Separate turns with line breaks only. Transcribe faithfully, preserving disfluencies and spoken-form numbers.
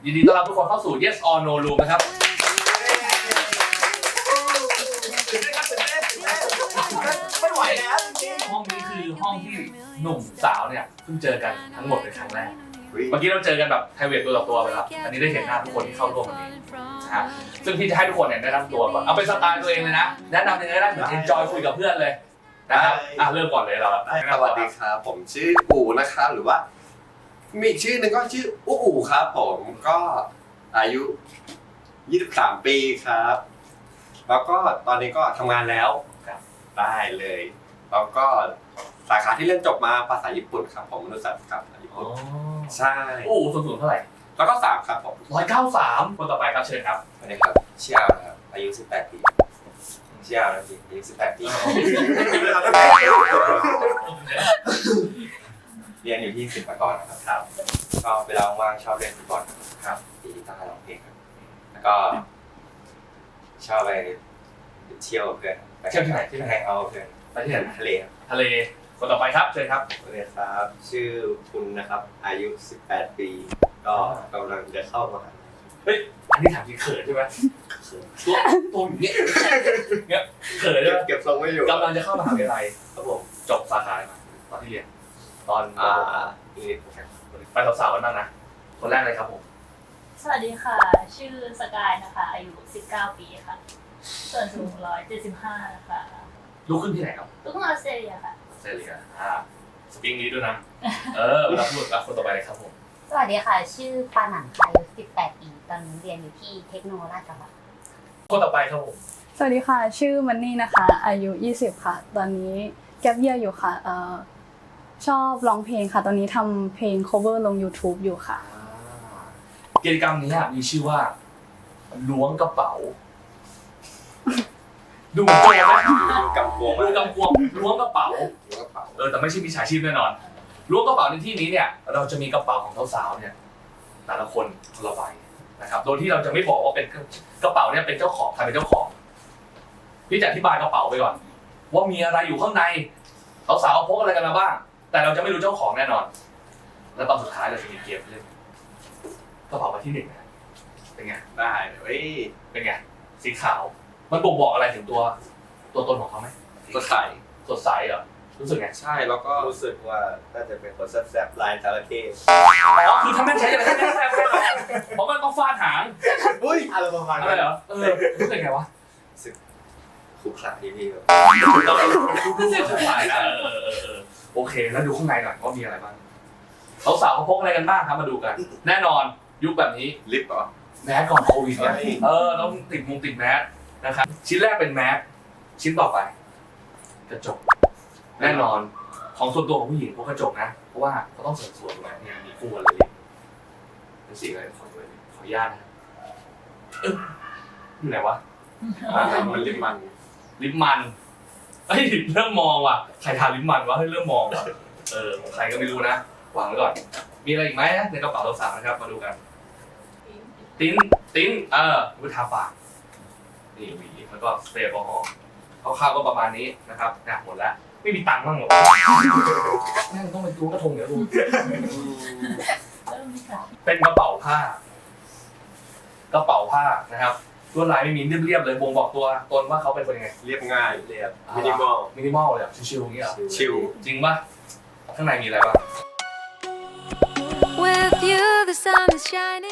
ยินดีต้อนรับทุกคนเข้าสู่ Yes or No Room นะครับ
ไม่ไหวแล้วจริง
ห้องนี้คือห้องที่หนุ่มสาวเนี่ยเพิ่งเจอกันทั้งหมดเป็นครั้งแรกเมื่อกี้เราเจอกันแบบไพรเวทตัวต่อตัวไปแล้วอันนี้ได้เห็นหน้าทุกคนที่เข้าร่วมวันนี้นะฮะซึ่งพี่จะให้ทุกคนเนี่ยแนะนำตัวก่อนเอาเป็นสไตล์ตัวเองเลยนะแนะนำยังไงได้เหมือน enjoy คุยกับเพื่อนเลยนะครับอ่ะเริ่มก่อนเลยเรา
สวัสดีครับผมชื่ออู๋นะครับหรือว่ามีอีกชื่อหนึ่งก็ชื่ออู๋อู๋ครับผมก็อายุยี่สิบสามปีครับแล้วก็ตอนนี้ก็ทำงานแล้วได้เลยแล้วก็สาขาที่เรียนจบมาภาษาญี่ปุ่นครับผมมนุษยศาสตร์ครับญี่ปุ่นใช่
โอ้สูงสูงเท่าไหร่
แล้วก็สามครับผม
ร้อยเก้าสามคนต่อไปครับเชิญครับ
สวัสดีครับเชี่ยวนะครับอายุสิบแปดปีเชี่ยวนะพี่อายุสิบแปดปีเรียนอยู่ที่ศิลปากรนะครับครับก็เวลาว่างๆชอบเล่นฟุตบอลครับตีกีตาร์ร้องเพลงครับแล้วก็ชอบไปเที่ยวกับเพื่อน
เที่ยวที่ไหนที่ไหน
แฮงเอาท์กับเพื่อน
ไปที่ไหน
ทะเลครับ
ทะเลคนต่อไปครับเชิญครับ
สวัสดีครับชื่อคุณนะครับอายุสิบแปดปีก็กำลังจะเข้ามหาลัย
เฮ้ยอันนี้ถามจริงเขินใช่ไหมตัวตัวอย่างเงี้ยเงี้ยเขินใช่ไหม
เก็บทรงไว้อยู่
กำลังจะเข้ามหาวิทยาลัย
ครับผม
จบสาขาอะไรมาตอนที่เรียนตอน
อ่าอังกฤษครับ
ไปสาวๆกันบ้างนะคนแรกเลยครับผม
สวัสดีค่ะ ชื่อสกายนะคะ อายุสิบเก้าปีค่ะ ส่วนสูงหนึ่งร้อยเจ็ดสิบห้านะคะ
ลูกขึ้นที่ไหนครับ
ลูกครึ่งออสเตรเลียค่ะ
ออสเตรเลียอ่าสปีกนี้ด้วยนะเออเวลาพูดกับคนต่อไปเลยครับผม
สวัสดีค่ะ ชื่อปาหนันค่ะอายุสิบแปดปี ตอนนี้เรียนอยู่ที่เทคโนโลยีราชภัฏ
คนต่อไปครับผม
สวัสดีค่ะ ชื่อมันนี่นะคะ อายุยี่สิบค่ะ ตอนนี้แกปเยียร์อยู่ค่ะเอ่อชอบร้องเพลงค่ะ ตอนนี้ทำเพลง cover ลง YouTube อยู่ค่ะ
กิจกรรมนี้มีชื่อว่าล้วงกระเป๋าดูโจรไหม
กับวง
ดูกำกวมล้วงกระเป๋า
กระเป๋า
เออแต่ไม่ใช่มิจฉาชีพแน่นอนล้วงกระเป๋าในที่นี้เนี่ยเราจะมีกระเป๋าของสาวๆเนี่ยแต่ละคนคนละใบนะครับโดยที่เราจะไม่บอกว่าเป็นกระเป๋าเนี่ยเป็นเจ้าของใครเป็นเจ้าของพี่จะอธิบายกระเป๋าไปก่อนว่ามีอะไรอยู่ข้างในสาวๆพกอะไรกันมาบ้างแต่เราจะไม่รู้เจ้าของแน่นอน แล้วตอนสุดท้ายเราจะมีเกมเล่นกระเป๋าใบที่หนึ่งนะเป็นไง
ได้เฮ้ย
เป็นไงสีขาวมันบ่งบอกอะไรถึงตัวตัวตนของเขาไหม
สดใส
สดใสเหรอรู้สึกไง
ใช่แล้วก็
รู้สึกว่าน่าจะเป็นคนแซ่บๆลายจระเข้
อ๋อคือถ้าแม่งใช้อะไรแค่แค่แค่เพราะมันต้องฟาดหาง
อุ้ยอะไรประมาณ
อะไร
นั้น
เหรอเออรู้สึกไงวะ
ขรุขระที่พี่แบบ
รู้สึกสดใสนะเออเออเออโอเคแล้วดูข้างในหน่อยว่ามีอะไรบ้างสาวๆเขาพกอะไรกันบ้างครับมาดูกัน แน่นอนยุคแบบนี้
ลิปเหรอ
แมสก่อนโควิดเนี่ย
เฮ้ย
เออต้องติดมุงติดแมสนะครับชิ้นแรกเป็นแมสชิ้นต่อไปกระจกแน่นอนของส่วนตัวของผู้หญิงพวกกระจกนะเพราะว่าเขาต้องเสริมสวยถูกไหมเนี่ยมีคู่กันเลยเป็นสีอะไรขอดูเลยขออนุญาตนะเอออยู่ไหนวะ
อ่ามันลิปมัน
ลิปมันเฮ้ยเริ่มมองว่ะใครทาลิปมันวะเฮ้ยเริ่มมองว่ะเออของใครก็ไม่รู้นะวางไว้ก่อนมีอะไรอีกไหมในกระเป๋าสาวๆนะครับมาดูกัน ติ้นติ้นเออวิทาปากนี่หวีแล้วก็สเปรย์แอลกอฮอล์คร่าวๆก็ประมาณนี้นะครับนะหมดแล้วไม่มีตังค์บ้างหรอแม่งต้องเป็นตัวกระทงเดี๋ยวดู
เริ่มค่ะ
เป็นกระเป๋าผ้ากระเป๋าผ้านะครับลวดลายไม่มีเรียบๆเลยบ่งบอกตัวตนว่าเขาเป็นคนยังไง
เรียบง่าย
เรียบ
มินิมอล
มินิมอลเลยอะชิวๆอย่างเงี้ยเหรอ
ชิล
จริงป่ะข้างในมีอะไรบ้าง
With you the sun is shining